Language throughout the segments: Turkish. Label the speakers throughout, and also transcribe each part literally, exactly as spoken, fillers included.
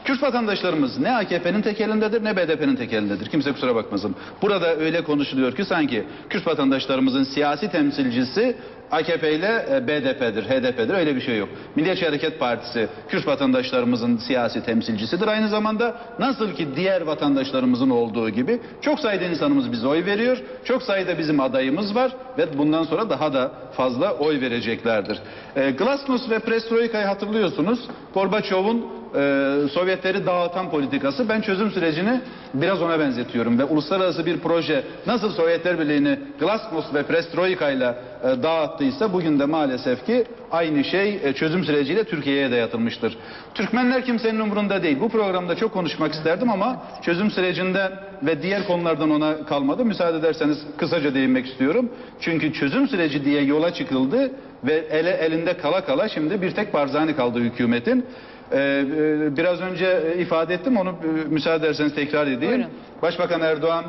Speaker 1: Kürt vatandaşlarımız ne A K P'nin tek elindedir ne B D P'nin tek elindedir. Kimse kusura bakmasın. Burada öyle konuşuluyor ki sanki Kürt vatandaşlarımızın siyasi temsilcisi A K P ile B D P'dir, H D P'dir. Öyle bir şey yok. Milliyetçi Hareket Partisi Kürt vatandaşlarımızın siyasi temsilcisidir. Aynı zamanda nasıl ki diğer vatandaşlarımızın olduğu gibi çok sayıda insanımız bize oy veriyor. Çok sayıda bizim adayımız var ve bundan sonra daha da fazla oy vereceklerdir. E, Glasnost ve Perestroika'yı hatırlıyorsunuz. Gorbaçov'un e, Sovyetleri dağıtan politikası. Ben çözüm sürecini biraz ona benzetiyorum ve uluslararası bir proje nasıl Sovyetler Birliği'ni Glasnost ve Perestroika ile e, dağıttıysa bugün de maalesef ki aynı şey e, çözüm süreciyle Türkiye'ye de yatılmıştır. Türkmenler kimsenin umurunda değil. Bu programda çok konuşmak isterdim ama çözüm sürecinden ve diğer konulardan ona kalmadı. Müsaade ederseniz kısaca değinmek istiyorum. Çünkü çözüm süreci diye yola çıkıldı ve ele, elinde kala kala şimdi bir tek Barzani kaldı hükümetin. Ee, biraz önce ifade ettim, onu müsaade ederseniz tekrar edeyim. Buyurun. Başbakan Erdoğan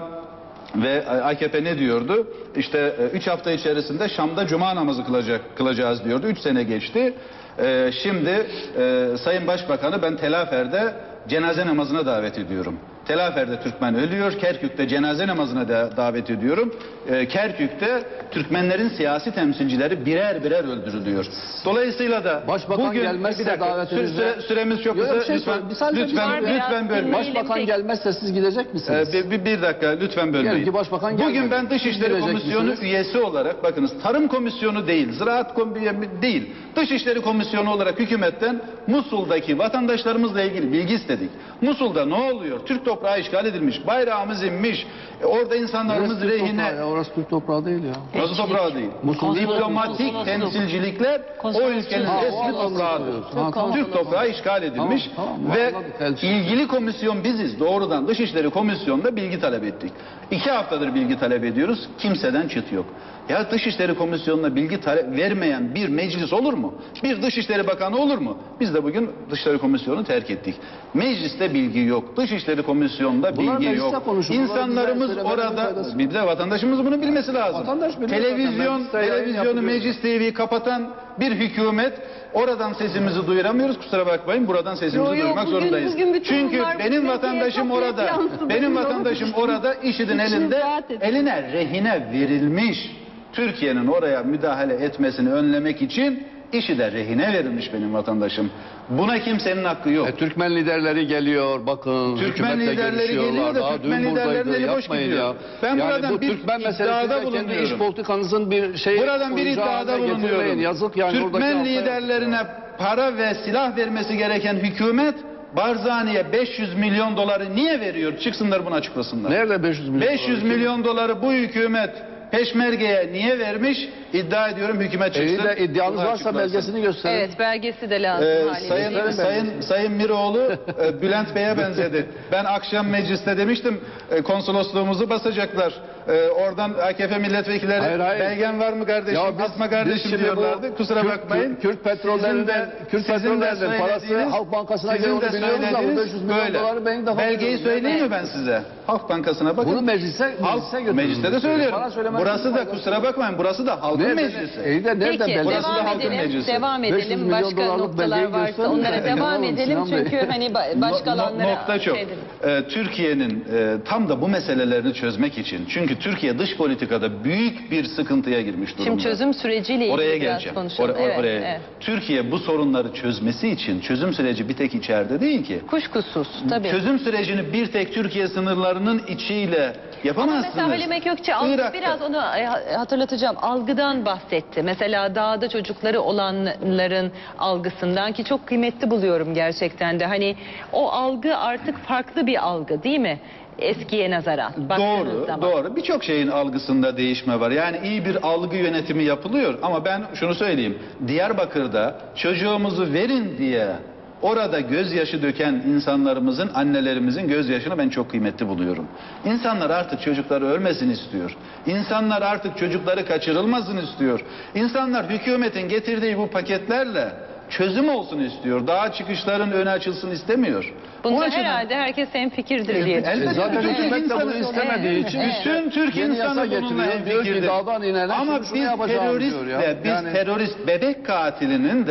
Speaker 1: ve A K P ne diyordu? İşte üç hafta içerisinde Şam'da cuma namazı kılacak, kılacağız diyordu. Üç sene geçti. Ee, şimdi e, Sayın Başbakan'ı ben Telafer'de cenaze namazına davet ediyorum. Telafer'de Türkmen ölüyor. Kerkük'te cenaze namazına da davet ediyorum. Ee, Kerkük'te Türkmenlerin siyasi temsilcileri birer birer öldürülüyor. Dolayısıyla da
Speaker 2: Başbakan
Speaker 1: bugün
Speaker 2: gelmezse
Speaker 1: bir dakika,
Speaker 2: davet
Speaker 1: süre, süre, süremiz çok kısa.
Speaker 2: Şey
Speaker 1: lütfen
Speaker 2: lütfen
Speaker 1: lütfen, lütfen bölmeyin.
Speaker 2: Başbakan gelmezse siz gidecek misiniz?
Speaker 1: Ee, bir, bir dakika lütfen bölmeyin.
Speaker 2: Ki başbakan
Speaker 1: bugün ben Dışişleri Komisyonu misiniz? Üyesi olarak, bakınız, Tarım Komisyonu değil, Ziraat Komisyonu değil, Dışişleri Komisyonu olarak hükümetten Musul'daki vatandaşlarımızla ilgili bilgi istedik. Musul'da ne oluyor? Türk toprağı işgal edilmiş, bayrağımız inmiş, orada insanlarımız
Speaker 2: orası
Speaker 1: rehine...
Speaker 2: Türk ya, orası Türk toprağı değil ya.
Speaker 1: Nasıl toprağı değil?
Speaker 2: Musul
Speaker 1: Diplomatik Musul, temsilcilikler Musul, o ülkenin ha, resmi toprağıdır. Ha, tamam. Türk toprağı işgal edilmiş tamam, tamam, ve anladık, ilgili komisyon biziz. Doğrudan Dışişleri Komisyonu'nda bilgi talep ettik. İki haftadır bilgi talep ediyoruz. Kimseden çıt yok. Ya Dışişleri Komisyonu'na bilgi talep vermeyen bir meclis olur mu? Bir Dışişleri Bakanı olur mu? Biz de bugün Dışişleri Komisyonu'nu terk ettik. Mecliste bilgi yok. Dışişleri Komisyonu'nda
Speaker 2: bunlar
Speaker 1: bilgi yok. İnsanlarımız orada, bir de vatandaşımız bunu bilmesi lazım. Televizyon, televizyonu, Meclis T V'yi kapatan bir hükümet, oradan sesimizi duyuramıyoruz. Kusura bakmayın, buradan sesimizi yo, yo, duyurmak bugün, zorundayız. Bugün Çünkü benim vatandaşım orada, benim vatandaşım orada IŞİD'in elinde, eline rehine verilmiş. Türkiye'nin oraya müdahale etmesini önlemek için IŞİD'e rehine verilmiş benim vatandaşım. Buna kimsenin hakkı yok.
Speaker 2: E, Türkmen liderleri geliyor, bakın.
Speaker 1: Türkmen liderleri geliyor da Türkmen liderleri boş gidiyor. Ya. Ben yani buradan bir Türkmen iddiada bulunuyorum.
Speaker 2: Kendi iş politikanızın bir şey.
Speaker 1: Buradan bir iddiada bulunuyorum.
Speaker 2: Yazık yani.
Speaker 1: Türkmen liderlerine para ve silah vermesi gereken hükümet Barzani'ye beş yüz milyon doları niye veriyor? Çıksınlar bunu açıklasınlar.
Speaker 2: Nerede beş yüz milyon?
Speaker 1: beş yüz milyon doları bu hükümet Peşmerge'ye niye vermiş? İddia ediyorum, hükümet çıksın.
Speaker 2: Eğer iddianız varsa belgesini gösterin.
Speaker 3: Evet, belgesi de lazım.
Speaker 1: Ee, sayın, sayın, sayın Miroğlu e, Bülent Bey'e benzedi. Ben akşam mecliste demiştim, e, konsolosluğumuzu basacaklar. E, oradan A K P milletvekilleri hayır, hayır. belgen var mı kardeşim, ya biz, atma kardeşim diyorlardı. Bu, Kusura
Speaker 2: Kürt,
Speaker 1: bakmayın.
Speaker 2: Kürt petrollerinden, Kürt petrollerinden parası Halk Bankası'na geliyor, onu biliyoruz ama beş yüz milyon doları benim de
Speaker 1: belgeyi söyleyeyim mi ben size? Halk Bankası'na bakın.
Speaker 2: Bunu meclise, meclise götürün.
Speaker 1: Mecliste de söylüyorum. Burası da, kusura bakmayın, burası da halkın meclisi.
Speaker 3: Peki, devam edelim, devam edelim. Başka noktalar varsa onlara devam edelim. Çünkü hani başkalarına...
Speaker 1: Nokta çok. Türkiye'nin tam da bu meselelerini çözmek için, çünkü Türkiye dış politikada büyük bir sıkıntıya girmiş durumda.
Speaker 3: Şimdi çözüm süreciyle ilgili
Speaker 1: oraya
Speaker 3: biraz
Speaker 1: geleceğim.
Speaker 3: konuşalım.
Speaker 1: Or evet, oraya. Evet. Türkiye bu sorunları çözmesi için çözüm süreci bir tek içeride değil ki.
Speaker 3: Kuşkusuz tabii.
Speaker 1: Çözüm sürecini bir tek Türkiye sınırlarının içiyle yapamazsınız.
Speaker 3: Ama mesela Halime Gökçe biraz onu hatırlatacağım. Algıdan bahsetti. Mesela dağda çocukları olanların algısından, ki çok kıymetli buluyorum gerçekten de. Hani o algı artık farklı bir algı değil mi? Eskiye nazaran.
Speaker 1: Doğru, zaman. doğru. Birçok şeyin algısında değişme var. Yani iyi bir algı yönetimi yapılıyor. Ama ben şunu söyleyeyim. Diyarbakır'da çocuğumuzu verin diye orada gözyaşı döken insanlarımızın, annelerimizin gözyaşını ben çok kıymetli buluyorum. İnsanlar artık çocukları ölmesin istiyor. İnsanlar artık çocukları kaçırılmasın istiyor. İnsanlar hükümetin getirdiği bu paketlerle çözüm olsun istiyor. Daha çıkışların önü açılsın istemiyor.
Speaker 3: Bunda açıdan, herhalde herkes hemfikirdir
Speaker 1: el,
Speaker 3: diye.
Speaker 1: Elbette
Speaker 2: zaten hükümet de bunu istemediği evet, için
Speaker 1: evet. bütün Türk Yeni insanı bununla hemfikirdir. Ama biz teröristle, yani. biz terörist bebek katilinin de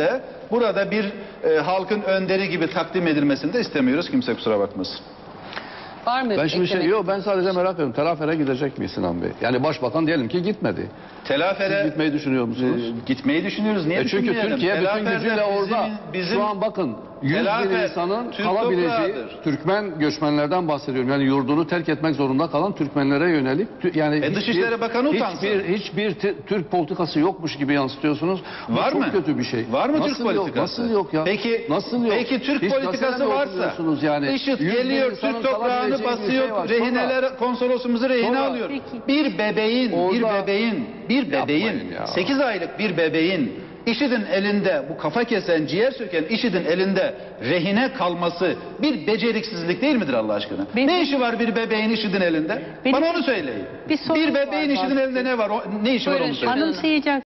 Speaker 1: burada bir e, halkın önderi gibi takdim edilmesini de istemiyoruz. Kimse kusura bakmasın.
Speaker 3: Var mı?
Speaker 2: Ben şimdi şey,
Speaker 3: eklemek?
Speaker 2: yok ben sadece merak ediyorum. Telafere gidecek mi Sinan Bey? Yani başbakan diyelim ki gitmedi.
Speaker 1: Telafere
Speaker 2: Siz gitmeyi düşünüyor musunuz?
Speaker 1: e, gitmeyi düşünüyoruz. Niye
Speaker 2: E çünkü
Speaker 1: düşünmeyelim?
Speaker 2: Türkiye bütün
Speaker 1: Telaferde
Speaker 2: gücüyle
Speaker 1: bizim-
Speaker 2: orada.
Speaker 1: bizim-
Speaker 2: Şu an bakın yüz bin
Speaker 1: Telafer,
Speaker 2: insanın
Speaker 1: Türk
Speaker 2: kalabileceği
Speaker 1: toprağıdır.
Speaker 2: Türkmen göçmenlerden bahsediyorum. Yani yurdunu terk etmek zorunda kalan Türkmenlere yönelik tü- yani
Speaker 1: E, Dışişleri Bakanı utansın.
Speaker 2: hiçbir hiçbir t- Türk politikası yokmuş gibi yansıtıyorsunuz. Bu
Speaker 1: Var
Speaker 2: çok
Speaker 1: mı?
Speaker 2: kötü bir şey.
Speaker 1: Var mı
Speaker 2: Nasıl
Speaker 1: Türk
Speaker 2: yok?
Speaker 1: politikası?
Speaker 2: Nasıl yok ya?
Speaker 1: Peki,
Speaker 2: Nasıl yok?
Speaker 1: Peki Türk
Speaker 2: Hiç
Speaker 1: politikası
Speaker 2: gazete mi
Speaker 1: varsa
Speaker 2: okumuyorsunuz yani?
Speaker 1: IŞİD
Speaker 2: Yüz bin
Speaker 1: geliyor
Speaker 2: insanın
Speaker 1: Türk toprağını
Speaker 2: kalabileceği bir
Speaker 1: basıyor,
Speaker 2: şey var.
Speaker 1: rehineler konsolosumuzu rehine
Speaker 2: Sonra-
Speaker 1: alıyor.
Speaker 3: Peki.
Speaker 1: Bir bebeğin, bir
Speaker 2: Orada-
Speaker 1: bebeğin, bir bebeğin,
Speaker 2: Yapmayın ya.
Speaker 1: sekiz aylık bir bebeğin IŞİD'in elinde, bu kafa kesen, ciğer söken IŞİD'in elinde rehine kalması bir beceriksizlik değil midir Allah aşkına?
Speaker 3: Benim-
Speaker 1: Ne işi var bir bebeğin IŞİD'in elinde?
Speaker 3: Benim-
Speaker 1: Bana onu söyleyin.
Speaker 3: Bir sorun
Speaker 1: Bir bebeğin
Speaker 3: var
Speaker 1: IŞİD'in elinde ne var? O- Ne işi var
Speaker 3: Buyurun,
Speaker 1: onu söyleyin.
Speaker 3: Hanım
Speaker 4: Anımsayacak